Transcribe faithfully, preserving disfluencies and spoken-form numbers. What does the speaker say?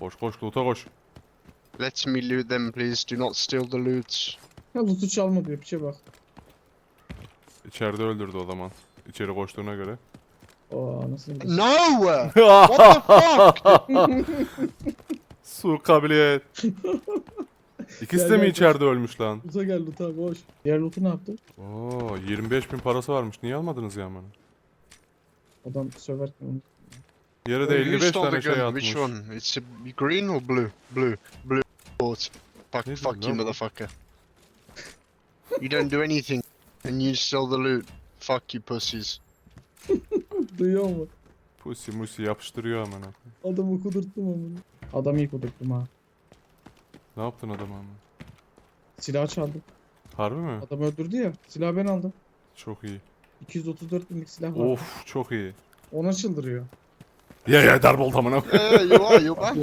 Koş koş loot'a koş. Let me loot them, please. Do not steal the loot. Ha loot'u çalma diyor piçe bak. İçeride öldürdü o zaman. İçeri koştuğuna göre. Aa nasıl bir No! What the fuck? Su kabiliyet. İkisi Gel, de mi gel, içeride ölmüş lan? Loot'a gel loot'a koş. Diğer loot'u ne yaptı? Oo, yirmi beş bin parası varmış. Niye almadınız ya bana? Adam söverken onu. Yere de Who elli beş stole tane the şey gun? atmış. Which one? It's a green or blue? Blue. Blue. Bought. Fuck, Ne fuck diyorsun you, lan bu? motherfucker. You don't do anything, and you steal the loot. Fuck you, pussies. Duyuyor mu? Pusi musi yapıştırıyor amına. Adamı kudurttum onu. Adamı iyi kudurttum ha. Ne yaptın adama ama? Silah çaldım. Harbi mi? Adam öldürdü ya. Silahı ben aldım. Çok iyi. iki yüz otuz dört binlik silah var. Of çok iyi. Ona çıldırıyor. Ye ye darbolt amına. Yeah, you are. You're bad.